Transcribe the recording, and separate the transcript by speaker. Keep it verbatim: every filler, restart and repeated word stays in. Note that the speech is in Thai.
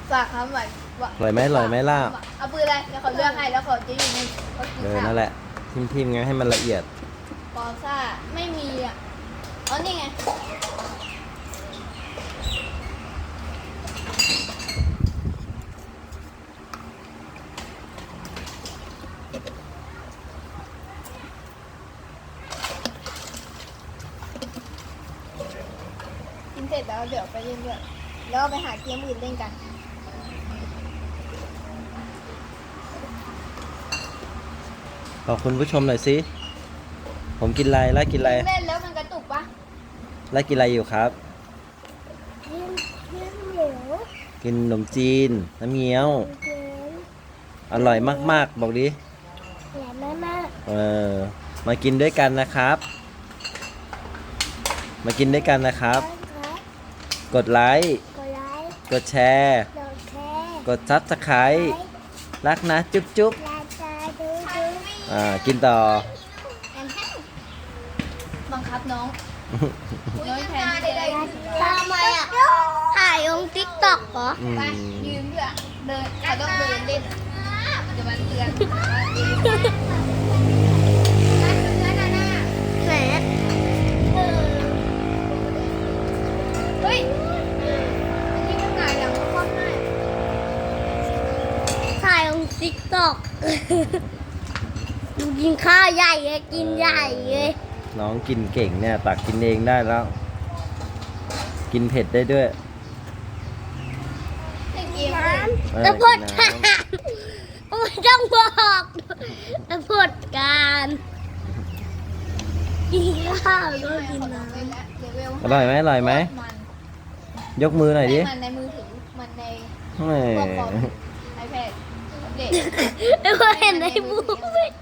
Speaker 1: ฝากคำหวาน
Speaker 2: อร่อยไหมอร่อยไหมล่ะ
Speaker 1: เอาปืนอะไรเดี๋ยวเขาเลือกให้แล้วเขาจะอยู่ในเขากิน
Speaker 2: เออ
Speaker 1: ข้าว
Speaker 2: นั่นแหละทิมทิมๆไงให้มันละเอียด
Speaker 1: ปอซ่าไม่มีอ่ะอ๋อนี่ไงกินเสร็จแล้วเดี๋ยวไปเล่นด้วยแล้วไปหาเกมอื่นเล่นกัน
Speaker 2: ขอบคุณผู้ชมหน่อยสิผมกินอะไรล่ากินอะไร
Speaker 1: เล่นแล้วมันกระตุกปะ
Speaker 2: ล่ากินอะไรอยู่ครับ
Speaker 3: กินกินเหนียว
Speaker 2: กินขนมจีนน้ำเงี้ยว
Speaker 3: กิน
Speaker 2: อร่อยมากๆบอกดิ
Speaker 3: แหลมมากมาก
Speaker 2: เออมากินด้วยกันนะครับ มากินด้วยกันนะครับ
Speaker 3: ครับ
Speaker 2: กดไลค์
Speaker 3: กดไลค์
Speaker 2: กดแชร์
Speaker 3: กดแชร์
Speaker 2: กดซับสไครต์รักนะจุ๊บจุ๊บ
Speaker 3: ลาจาดูดู
Speaker 2: อ่ากินต่อ
Speaker 1: แอนแฮนบังคับน้องน้อยแทนได้ได้
Speaker 3: ทำไมอ่ะถ่ายลงติ๊กต็อกเหรอ
Speaker 2: อืม
Speaker 1: ไปยืมด้วยเดินเขาต้องเดินเล่นเดี๋ยวมันเตือน
Speaker 3: แหม
Speaker 1: เฮ้ยอันนี้มันหงายหลังคว่ำหน้า
Speaker 3: ถ่ายลงติ๊กต็อกกินข้าวใหญ่เลยกินใหญ่เลย
Speaker 2: น้องกินเก่งเนี่ยตักกินเองได้แล้ว กินเผ็ดได้ด้วย
Speaker 1: ให้เกม
Speaker 3: น้
Speaker 1: เลย
Speaker 2: เออ
Speaker 3: ำแล้วพด
Speaker 2: กิน
Speaker 3: กา
Speaker 2: น้
Speaker 3: รไม่ต้องบอกแล้วพดการกินข้าวแล้วกินน้
Speaker 1: ไปแล้วเลเวล
Speaker 2: อร่อยไหมอร่อยไหม
Speaker 1: มัน
Speaker 2: ยกมือหน่อยดิ
Speaker 1: มันในมือถือมันใน
Speaker 2: แหม
Speaker 1: พวกคอมไอแพดเด็ก
Speaker 3: ำแล้วก็เห็นในบูม